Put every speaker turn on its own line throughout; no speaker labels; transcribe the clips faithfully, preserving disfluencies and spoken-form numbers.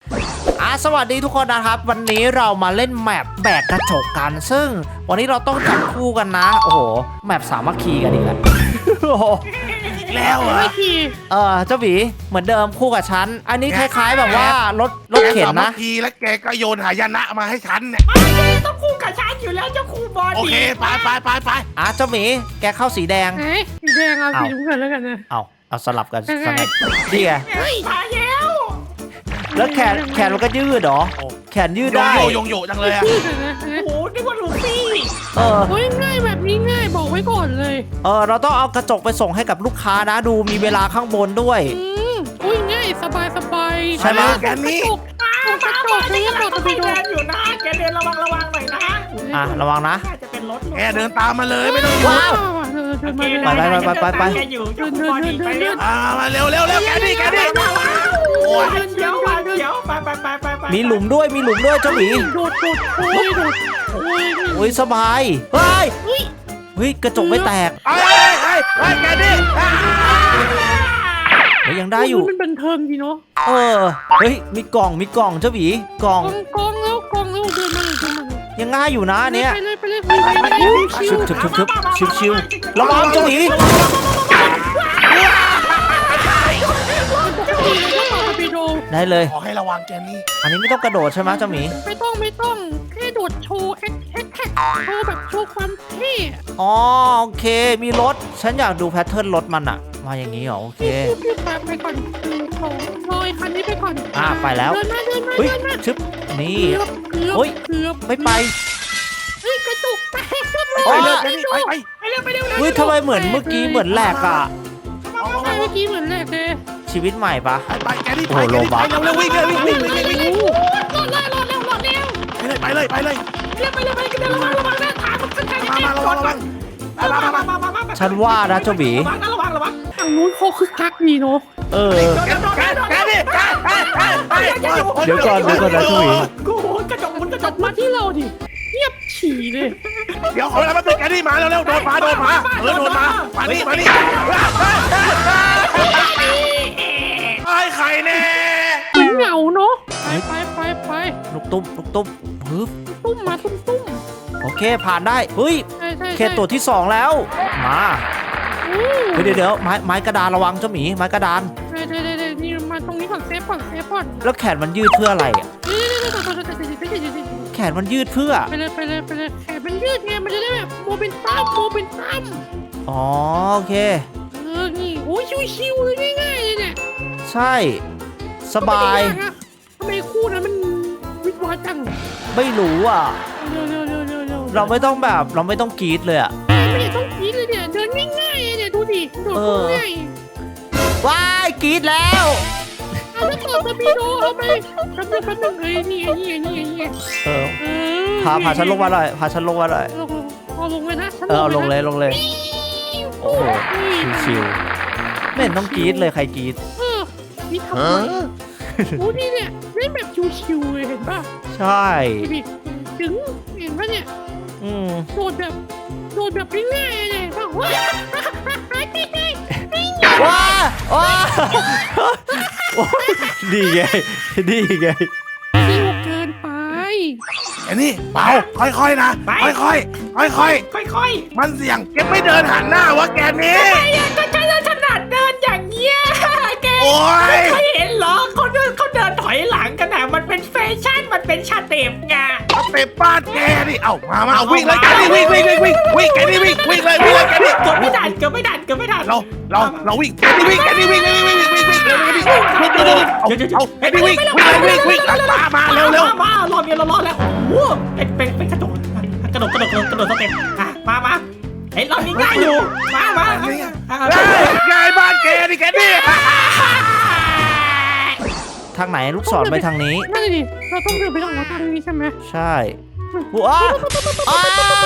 อ่ะสวัสดีทุกคนนะครับวันนี้เรามาเล่นแมปแบกกระจกกันซึ่งวันนี้เราต้องจับคู่กันนะโอ้โหแมปสามัคคีกันอีกแล้วโอ้โห
แล้วเหรอ
เออเจ้าหวีเหมือนเดิมคู่กับฉันอันนี้คล้าย ๆ แบบว่ารถรถเข็นนะ
แกสามัคคีแล้วแกก็โยนหายนะมาให้ฉันเนี่ย
ต้องคู่กับฉันอยู่แล้วเจ้าคู่บอล
โอเคไปไปไปไป
อ่ะเจ้าหมีแกเข้าสีแดง
ไหนสีแดงเอาสีน้ำเงินแล้วกันนะ
เอาเอาสลับกันสักหน่อยนี่ไง
เฮ้ยมาแล้ว
แล้วแขนแขนมันก็ยืดเหรอแขนยืด
โย
ได้
โยโยงโยจังเลยอะ
ชื่อกันนะ
โอ้โหนึกว่าลูซี่
เออ
โอ้ยง่ายแบบนี้ง่ายบอกไว้ก่อนเลย
เออเราต้องเอากระจกไปส่งให้กับลูกค้านะดูมีเวลาข้างบนด้วย
อืมอุ้ยง่ายสบายสบาย
ใช่ไหม
แกนี่
ตก
มากระจกนี่กระจกไปเดินอยู่นะแกเดินระวังระวังหน่อยนะ
อ่ะระวังนะ
น่าจะเป็นรถ
แกเดินตามมาเลยไม่ต้องหยุด
ว้าวเดินเดินมาเลย
ไปไปไปไปไป
แกอยู่เจ้าคู่บอลไปเร็ว
อ่ามาเร็วเร็วเร็วแกนี่แกนี่
โอ้ยเขียวมาเขียวไปไปไปไปไป
มีหลุมด้วยมีหลุมด้วยเจ้าหมี
โดดโดดโอ้ยโดดโอ้ย
อุ้ยสบายเฮ้ย
เฮ้ย
เฮ้ยกระจกไม่แตก
ไอ้ไอ้ไอ้แกนี่
เฮ้ยยังได้อยู่
มันบันเทิงดีเนาะ
เออเฮ้ยมีกล่องมีกล่องเจ้าหมีกล่อง
กองกองแล้วกองแล้วเดินมาเลยเดินมาเลย
ยังง่ายอยู่นะอันเนี้ย
ไปเลยไปเลยไปเลยไปเลยชิ
ชึ
ว
บชึบชึบชึบชิวชิวระวังเจ้าหมี
ดีเลยก็ต่อไปโด
ได้เลย
ขอให้ระวังแกนี่
อันนี้ไม่ต้องกระโดดใช่ไหมเจ้าหมี
ไม่ต้องไม่ต้องแค่โดดโชว์แอคแอคแท็กโชว์แบบโชว์ความเท่
อ๋อโอเคมีรถฉันอยากดูแพทเทิร์นรถมันอะมาอย่างนี้เหรอโอเค
พี่ตามไปก่อนหนึ่งสองลอยคันนี้ไปก่อน
อ่ะไปแล้ว
เดินมาเดินมา
เฮ้ย
เดินมา
ชึบนี่
เกือบเกือบ
เฮ้ย
เกือบ
ไม่ไป
เฮ้ยกระตุกแตก
ไปเลยแกนี่ไปไป
ไปเร็วไปเร็ว
เฮ้ยทำไมเหมือนเมื่อกี้เหมือนแหลกอะ
ใช่เมื่อกี้เหมือนแรกเลย
ชีวิตใหม่ปะ
ไปไปแกนี่ไปแกนี่ไปเร็วเร็ววิ่งเลยวิ่งวิ่งวิ่งวิ่งวิ่ง
โอ้โหรอดแล้วรอดแล้วรอดแล้ว
ไปเลยไปเลยไปเลย
เร็วไปเร็วไปเร็วระวังระวังนะถามมันขึ้นใคร
มามาระวังระวังมามามา
มามามา
ฉันว่านะเจ้าหมี
ระวังนะระวังระวัง
ทางนู้นเขาคือคักดีเนาะ
เออ
แกแกแกนี่แกแกแกไป
เดี๋ยวก่อนเดี๋ยวก่อนนะเจ้าหมี
กูกระจกมันกระจ
จั
ก
ดมาที่เราดิเงียบฉี่เลย
เดี๋ยวขอเวลามาตึกแกนี่มาเร็วเร็วโดนมาโดนมาเออโดนมามานี่มานี่ไอ้ไข่แน่
เหงาเนาะไปไปไปไป
ลูกตุ้มลูกตุ้มปึ๊บ
ตุ้มมาตุ้มตุ้ม
โอเคผ่านได้เฮ้ย
ใช่ใช่
เขตตัวที่สองแล้วมาเฮ้ยเดี๋ยวเดี๋ยวไม้ไม้กระดานระวังเจ้าหมีไม้กระดาน
เดี๋ยวเดี๋ยวเดี๋ยวนี่มาตรงนี้ก่อนเซฟก่อนเซฟก่อน
แล้วแขนมันยืดเพื่ออะไรอะ
นี่นี่นี่ตัวตัวตัวตัวตัวตัว
แขนมันยืดเพื่อ
ไปเลยไปเลยไปเลยแขนมันยืดไงมันจะได้แบบโมเป็นตั้มโมเป็นตั้ม
อ๋อโอเค
เออนี่โอ้ยชิวๆเลยง่ายๆเลยเนี่ย
ใช่สบาย
ทำไมคู่นั้นมันวิทวาจัง
ไม่รู้อ่ะ
เร็วเร็วเร็วเร็วเร็ว
เราไม่ต้องแบบเราไม่ต้องกรีดเลยอ่ะ
ไม่ต้องคิดเลยเนี่ยเดินง่ายๆเนี่ยดูดิโดดง่าย
ว้ายกรีดแล้ว
เอาแล้วต่อสปีโดเอาไปแป๊บนึงแป๊บนึงเอ้ยนี่ไงนี่ไงนี่ไงนี่ไง
เออ
เออ
พาพาฉันลงมาหน่อยพาฉันลงมาหน่อย
ลงเอาลงเลยนะ
เออเอาลงเลยลงเลย โอ้โหชิวๆไม่เห็นต้องกรีดเลยใครกรีด
เออนี่ทำไมโอ้นี่เนี่ยเล่นแบบชิวๆเลยเห็นป่ะ
ใช่
ดิถึงเห็นป่ะเนี่ย
อืม
โดดแบบโดดแบบง่ายๆเลยป่ะว้าง่าย
ว้าว้าดีไงดีไง
ๆชิวเกินไป
ไอ้นี่เบาค่อยๆนะค่อยๆค่อย
ค่อย
ๆมันเสี่ยงแกไม่เดินหันหน้าวะแกนี่
ๆไอ้ยังก็ใช้ถนัดเดินอย่างเงี้ยแก
โอ้ย
ไม่เห็นเหรอเขาเดินเขาเดินถอยหลังกันอ่ะมันเป็นแฟชั่นมันเป็นชาเต็ปไง
สเต็ปบ้านแกนี่เอ้ามามาวิ่งเลยแกนี่วิ่งวิ่งวิ่งวิ่งวิ่งแกนี่วิ่งวิ่งเลยวิ่งเลยแกนี่
เกือบไม่ทันเกือบไม่ทันเกือบไม่ทัน
เราเราเราวิ่งแกนี่วิ่งแกนี่วิ่งวิ่งวิ่งวิ่งวิ่งวิ่งวิ่งวิ่งวิ่งวิ่งเอาแกนี่วิ่งวิ่งวิ่งวิ่งวิ่งมามาเร็วเร็ว
มารอบเดียวเรารอดแล้วโอ้โหเป็นเป็นเป็นกระโดดกระโดดกระโดดกระโดดสเต็ปอ่ะมามาเฮ้ยรอบนี้ง่ายอยู่มามา
ง่ายบ้านแกนี่แกนี่
ทางไหนลูกศรไปทางนี้
นั่นดิเราต้องเดินไปทางทางนี้ใช่ไหม
ใช่ว้าอ้า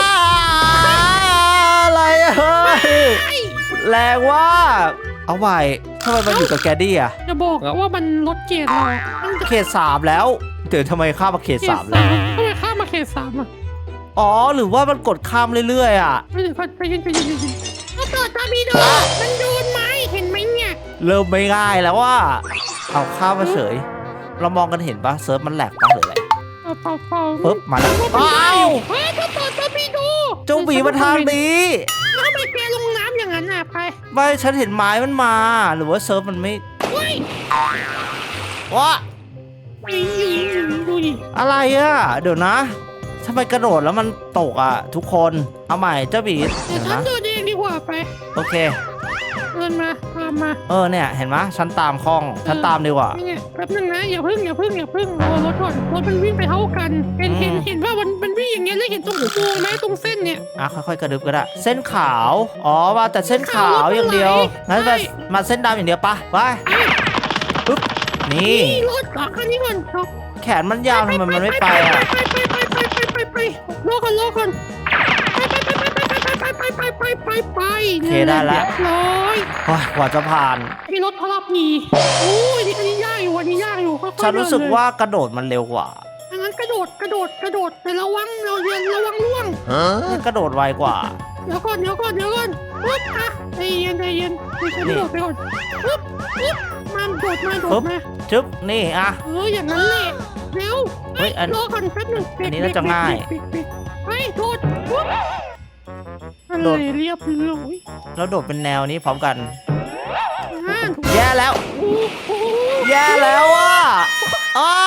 อะไรอะเฮ้ยแรงว่าเอาไว้ทำไมมันอยู่กับแกดดี้อะ
จะบอกอะว่ามันลดเกียร์เราตั้งแต่
เขตสามแล้วเดี๋ยวทำไมข้ามมาเขต
เขต
สาม
สา
แล้ว
มทำไมข้ามมาเขตสามอ่ะ
อ๋อหรือว่ามันกดข้ามเรื่อยๆอ่ะ
ไม่ถึงใจเย็นใจเย็นใจเย็นเอาต่อตาบีโดมันโดนไหมเห็นไหมเนี่ย
เริ่มไม่ง่ายแล้วว่าเอาข้ามมาเฉยเรามองกันเห็นปะเซิร์ฟมันแหลกปะหรืออะไร
เปล่าเปล่าเปล่า
ปึ๊บมาแล้วอ้าว
เฮ้ยเจ้าต่อเจ้าพี่ดู
เจ้าหมีมาทางนี้
แล้วทำไมแกลงน้ำอย่างนั้นน่ะไป
ไม่ฉันเห็นไม้มันมา หรือว่าเซิร์ฟมันไม่
เฮ้ย
ว้า
ไอ้หญิงดูดิ
อะไรอ่ะเดี๋ยวนะทำไมกระโดดแล้วมันตกอ่ะ ทุกคนเอาใหม่เจ้าบีด
เดี๋
เห็
ยวน ฉัน
นะ
เดินเองดีกว่าไป
โอเค
เดินมาตามมา
เออเนี่ยเห็นไหมฉันตามคล่องฉันตามดีกว่า
นี่ไงแป๊บนึงนะอย่าพึ่งอย่าพึ่งอย่าพึ่งรอรถก่อนรถมันวิ่งไปเท่ากันเห็น
อืม
เห็นเห็นว่ามันมันวิ่งอย่างเงี้ยแล้วเห็นตรงหัวโค้งไหมตรงเส้นเนี่ย
อ่ะค่อยๆกระดึบก็ได้เส้นขาวอ๋อมาแต่เส้นขาวอย่างเดียวงั้นไปมาเส้นดำอย่างเดียวปะไปปึ๊บนี่
นี่รถอ่ะคันนี้ก่อนเอา
แขนมันยาวทำไมมันไม่ไปอ่ะ
ไปไปไปไปไปไปไปรอก่อนรอก่อนไปไปไปไปไปไปไป
โอเคได้แล้ว
ร้อย
โอ้ยกว่าจะผ่าน
ไอ้รถพลับมีโอ้ยนี่อันนี้ยากอยู่อันนี้ยากอยู่ค่อยๆ
ฉันรู้สึก
เดิเลย
ว่ากระโดดมันเร็วกว่า
อันนั้นกระโดดกระโดดกระโดดแต่ระวังเราเรียนระวังล่วง
มันกระโดดไวกว่า
เดี๋ยวก่อนเดี๋ยวก่อนเดี๋ยวก่อนปึ๊บอ่ะใจเย็นใจเย็นไปกระโดดไปก่อนปึ๊บปึ๊บมาโดดมาโด
ปึ๊
ด
บ
มา
จึ๊บนี่อ่ะ
เอออย่างนั้นแหละเร็ว
เฮ้ยอัน
รอก่อนแป๊บหนึง
อันนี้น่าจะง่าย
เบรกเบรกเบรกเบรกไปโดดปึ๊บอะไร
โดด
เรียบร้อย
แล้วโดดเป็นแนวนี้พร้อมกัน
อ่า
แย่แล้ว
โอ้โห
แย่แล้วอ่ะอ้า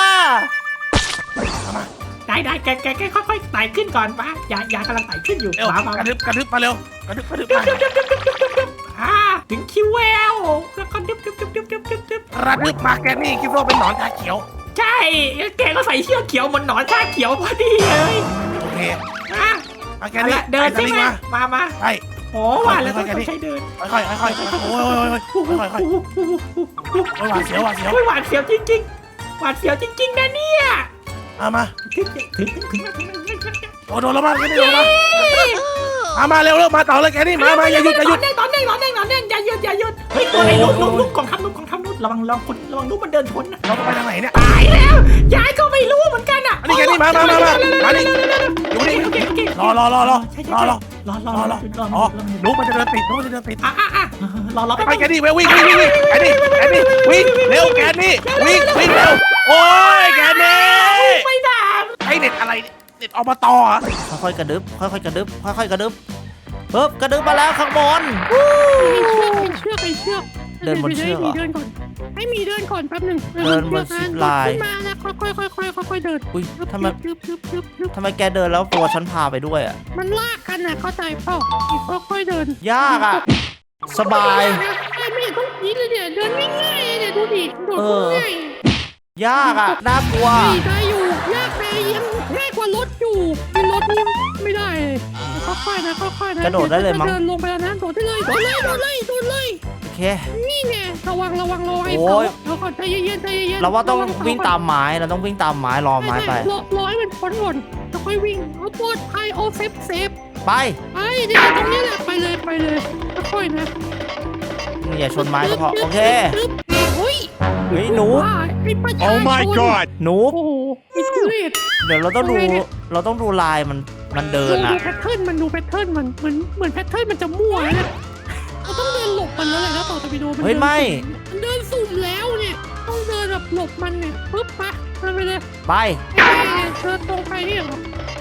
ได้ได้แกแกแกค่อยๆไต่ขึ้นก่อนป้ายายากำลังไต่ขึ้นอยู่
เร็ว
มามาก
ระดึบกระดึบมาเร็วกระดึบกระดึบมา
อ่าถึงคิวแววแล้วก็ดึบดึบดึบดึบดึบดึบดึบ
กระดึบมาแกนี่คิดว่าเป็นหนอนตาเขียว
ใช่แกก็ใส่เชือกเขียวเหมือนหนอนชาเขียวพอดีเลย
โอเค
อ่ะ
มาแก
เอา
นี่
ละเดิน
ไอ้ส
ใช่
ลิง
ไหม
มา
มามา
ใช่
โอ้ว่าแล้วต้องใช้เดิน
ค่อยๆค่อยๆโอ้ยโอ้ยโอ้ยค่อยๆค่อยๆโอ้ยหวาดเสียวหวาดเสียว
โอ้ยหวาดเสียวจริงๆหวาดเสียวจริงๆนะเนี่ย
มามา
ถึงถึงถึงถึงถึงถึง
โอ้โดนแล้วมาแกนี่โดนมามามาเร็วเร็วมาต่อเลยแกนี่มามาอย่าหยุดอย่าหยุด
ตอนนี้ตอนนี้ตอนนี้อย่าหยุดอย่าหยุดเฮ้ยตัวไหนลุกลุกลุกกองทัพลุกกองทัพลุกระวังระวังคนระวังลุกมันเดินชนนะ
เราต้องไปทางไหนเนี่ย
ตายแล้วยายก็ไม่รู้เหมือนกันอ่ะ
อันนี้แกนี่มามามามามาดิอยู่นี่
โอเคโอเค
รอรอรอรอ
ใช่
ร
ใช่
อรอ
รอรอ
รอ
ร
ร
อ
อ
รอ
อ๋อรู้มันจะเดินติดรู้มันจะเดินติด
อ่ะอ่ะอ่ะรอรอ
ไปแกนี่ไปวิ่งวิ่งวิ่งวิ่งแกนี่แกนี่วิ่งเร็วแกนี่วิ่งวิ่งเร็วโอ้ยแกนี่
ไม่ได้
ไอเด็ดอะไรเด็ดอบตอ่ะ
ค่อยๆกระดึบค่อยๆกระดึบค่อยๆกระดึบปึ๊บกระดึบมาแล้วข้างบน
ให้เชือกให้เชือกให้เชือก
เดินบนเชือกเหรอ
ให้มีเดินก่อนให้มีเดินก่อนแป๊บหนึง
เดินบนซิปไลน์
ขึ้นมาแล้วค่อยๆค่อยๆค่อยๆเดิน
อุ้ยทำไม
ยึบยึบยึบยึบ
ทำไมแกเดินแล้วตัวฉันพาไปด้วยอ่ะ
มันลากกันนะเข้าใจเปล่าค่อยๆเดิน
ยากอ่ะ สบาย
ไอ้ไม่เห็นต้องคิดเลยเนี่ยเดินง่ายๆเนี่ยดูดิโดด
เออ
ง่าย
ยากอ่ะน่ากลัว
นี่ได้อยู่ยากแต่ยังง่ายกว่ารถอยู่เป็นรถนี่ไม่ได้เลยค่อยๆนะค่อยๆนะ
กระโดดได้เลยมั้ง
เดินลงไปแล้วนะโดดได้เลยโดดเลยโดดเลยโดดเลย
โอเค
นี่ไงระวังระวังรอไอ้
โอ้
เสาย เดี๋ยวก่อนใจเย็นๆใจเย็นๆ
เราว่าต้อง
ระเส
วิ่งตามไม้เราต้องวิ่งตามไม้รอไม้ไป
รอรอให้มันพ้นก่อนแล้วค่อยวิ่งเอาปลอดภัยเอาเซฟเซฟ
ไป
ไปเดี๋ยวตรงนี้แหละไปเลยไปเลยค่อยๆนะ
อย่าชนไม้ก็พอโอเค
ปึ๊บเฮ้ย
เฮ้ยหนู
ว่าไอ้ประชาชน
หนู
โอ้โหไอ้ทุเรศ
เดี๋ยวเราต้องดู
ทำไมเนี่ย
เราต้องดูลายมันมันเดิน
ดู
อ่ะ
แพทเทิร์นมันดูแพทเทิร์นมันเหมือนเหมือนแพทเทิร์นมันจะมั่วนะเราต้องเดินหลบมันแล้วแหละถ้าต่อตะวิโดมัน
เฮ้ย
ดิน
ไม่
มันเดินสุ่มแล้วเนี่ยต้องเดินแบบหลบมันเนี่ยปึ๊บปะเดินไปเลย
ไป
ไอ้เดินตรงไปนี่เหรอ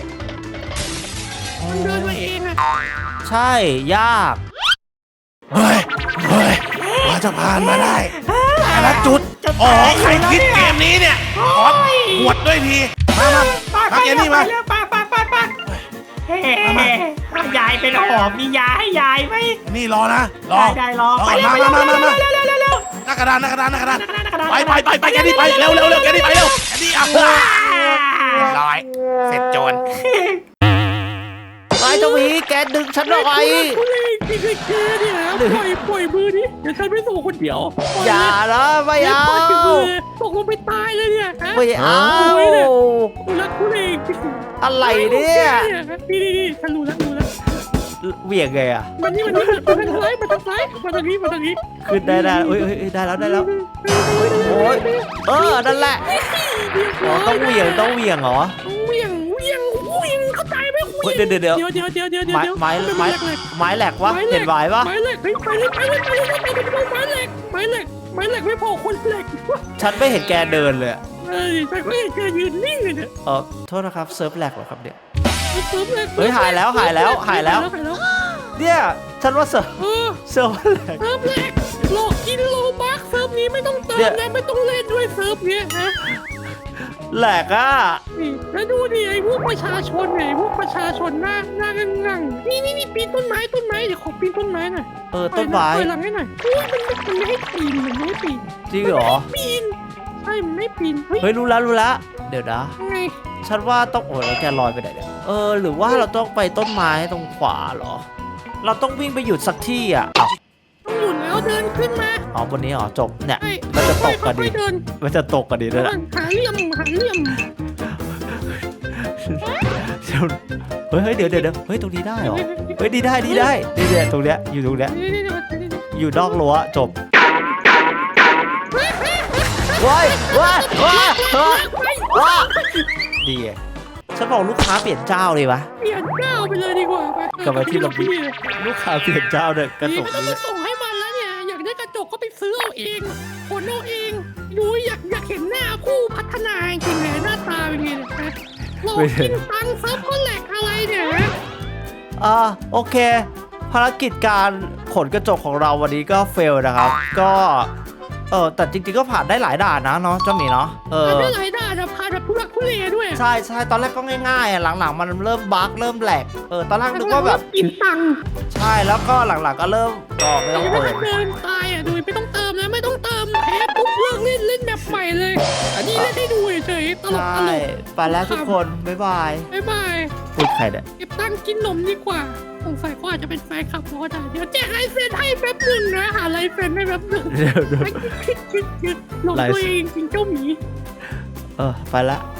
มันเดินมาเองอะ
ใช่ยาก
เฮ้ยเฮ้ยกว่าจะผ่านมาได้แต่ละจุดอ๋อใครคิดเกมนี้เนี่ยขอหวดด้วยทีมามา
ไป
มาแกนี่มา
ไปไปไปไปเฮ้ยายเป็นหอบมียาให้ยายไหม
นี่รอนะรอ
ได้ได้รอไปเร็ว
มามามามา
เร็วเร็วเร็วเร็ว
หน้ากระดานหน้ากระดานหน้ากระดาน
กระดาน
ไปไปไปไปแกนี่ไปเร็วเร็วเร็วแกนี่ไปเร็วแกนี่อ่ะเรียบร้อยเสร็จโจร
ไปเจ้าหมีแกดึงฉันออกไป
ทุเรศจริงๆแกเนี่ยนะปล่อยปล่อยมือดิเดี๋ยวฉันไม่ส่งคนเดียวปล่
อย่านะไม่
เลย
เอา
ปล่อยมือตกลงไปตายเลยเนี่ยฮะ
ไม่เอา
กูรักทุเรศจริง
อะไรเนี่ย
นี่นี่นี่ฉันรู้แล้วรู้แล้ว
เหวี่ยงไงอ่ะ
มันนี่มันนี่มันทางซ้ายมันทางซ้ายมาทางนี้มาทางนี้
ขึ้นได้ได้เอ้ยเอ้ยเอ้ยได้แล้วได้แล้วโอ้ยเออนั่นแหละอ๋อต้องเหวี่ยงต้องเหวี่ยงเหรอ
เหวี่ยงเหวี่ยงเหวี่ยงเข้าใจไหมเห
เฮ้
วี่
ย
ยง
เดี๋ยวเดี๋ยว
เดี๋ยวเดี๋ยวเดี๋ยวเดี๋ยว
ไม้
เดี๋ยว
ไม้ไม้
แหลก
ไม้แหลกวะเห็นไม้ปะ
ไม้เหล็กไปไปเลยไปเลยไปเลยไปเลยไม้เหล็กไม้เหล็กไม้เหล็กไม่พอคนเหล็ก
ฉันไม่เห็นแกเดินเลยอะ
ไเออแต่ก็ยังจะยืนนิ่งเลยเนี่ย
เออโทษนะครับเซิร์ฟแหลกเหรอครับเนี่ย
เซิร์ฟแรก
เฮ้ยหายแล้วหายแล้วหายแล้ว
หายแล้ว
เนี่ยฉันว่าเซิร์ฟ
เออ
เซิร์ฟแหลก
เซิร์ฟแรกหลอกกินโลบักเซิร์ฟนี้ไม่ต้องเติม
เนี่ย
นะไม่ต้องเล่นด้วยเซิร์ฟเนี้ยนะ
แหลกอ่ะ
นี่แล้วดูดิไอ้พวกประชาชนเนี่ยไอ้พวกประชาชนหน้าหน้างั่งๆนี่นี่นี่ปีนต้นไม้ต้นไม้เดี๋ยวขอปีนต้นไม้หน่อย
เออต้นไม้
ถอยหลังให้หน่อยอุ้ยมันไม่มันไม่ให้ปีนมันไม่ให้ปีน
จริงเหรอ
ปีนใช่มันไม่ปีนเฮ้ย
เฮ้ยรู้แล้วรู้แล้วเดี๋ยวนะ
ไง
ฉันว่าต้องโอ้ยแล้วแกลอยไปไหนเนี่ยเออหรือว่าเราต้องไปต้นไม้ตรงขวาเหรอ เราต้องวิ่งไปหยุดสักที่อ่ะอ้าว
ต้องหยุดแล้วเดินขึ้นมา
อ๋อบนนี้เหรอจบเนี่ย
ใช่
มันจะตกกัน
ค่
ดิ
อยๆเดิน
มันจะตกกันดิด้วยนะ
หาเหลี่ยมหาเหลี่ยม
เฮ้ยเฮ้ยเดี๋ยวเดี๋ยวเดี๋ยวเฮ้ยตรงนี้ได้เหรอเฮ้ยดีได้ดีได้ดีเนี่ยตรงเนี้ยอยู่ตรงเนี้ย
นี่นี่นี่นี่นี่
อยู่นอกรั้วจบว้ายว้ายว้ายว้ายว้ายดีไงฉันบอกลูกค้าเปลี่ยนเจ้าเลยปะ
เปลี่ยนเจ้าไปเลยดีกว่าไป
กลับมาที่ระเบียบ ลูกค้าเปลี่ยนเจ้าเนี่ยกระ
นี่
จก
ไม่ต้อง
นี้
มาส่งให้มันแล้วเนี่ยอยากได้กระจกก็ไปซื้อเอาเองขนเอาเองดูอยากอยากเห็นหน้าผู้พัฒนาจริงๆเลยหน้าตาเป็นไงเนี่ยนะหลอกกินตังค์ซับก็แหลกอะไรเนี่ย
อ่าโอเค ภารกิจการขนกระจกของเราวันนี้ก็เฟลนะครับ ก็เออแต่จริงๆก็ผ่านได้หลายด่านนะเนาะเจ้าหมีเนาะเออ
มันไม่หลายด่านอะพาแบบทุลักทุเลด้วย
ใช่ใช่ตอนแรกก็ง่ายๆอ่ะหลังๆ มันเริ่มบั๊กเริ่มแหลกเออตอนแรกนึกว่าแบบ
กินตังค์
ใช่แล้วก็หลังๆก็เริ่มก็ไม่ต้อง
ไม่
เปิ
ต้
ด
องเดินตายอ่ะดูไม่ต้องเติมนะไม่ต้องเติมแพ้ปุ๊บเลิกเล่นเล่นแบบใหม่เลย อันนี้เล่นให้ดูเฉยๆตลก
ใช่
ตลก
ไปแล้วทุกคนบ๊ายบาย
บ๊ายบาย
พูดใครเนี่ย
เก็บตังค์กินนมดีกว่าสงสัยเขาอาจจะเป็นแฟนคลับเขาก็ได้เดี๋ยวแจกไลฟ์เซ็นให้แป๊บหนึงนะหาไลฟ์เซ็นให้แป๊บหนึง
เดี๋ยวเดี๋ยว
ไปคิดคิดคิดคิดหลงตัวเองจริงเจ้าหมี
เออไปละ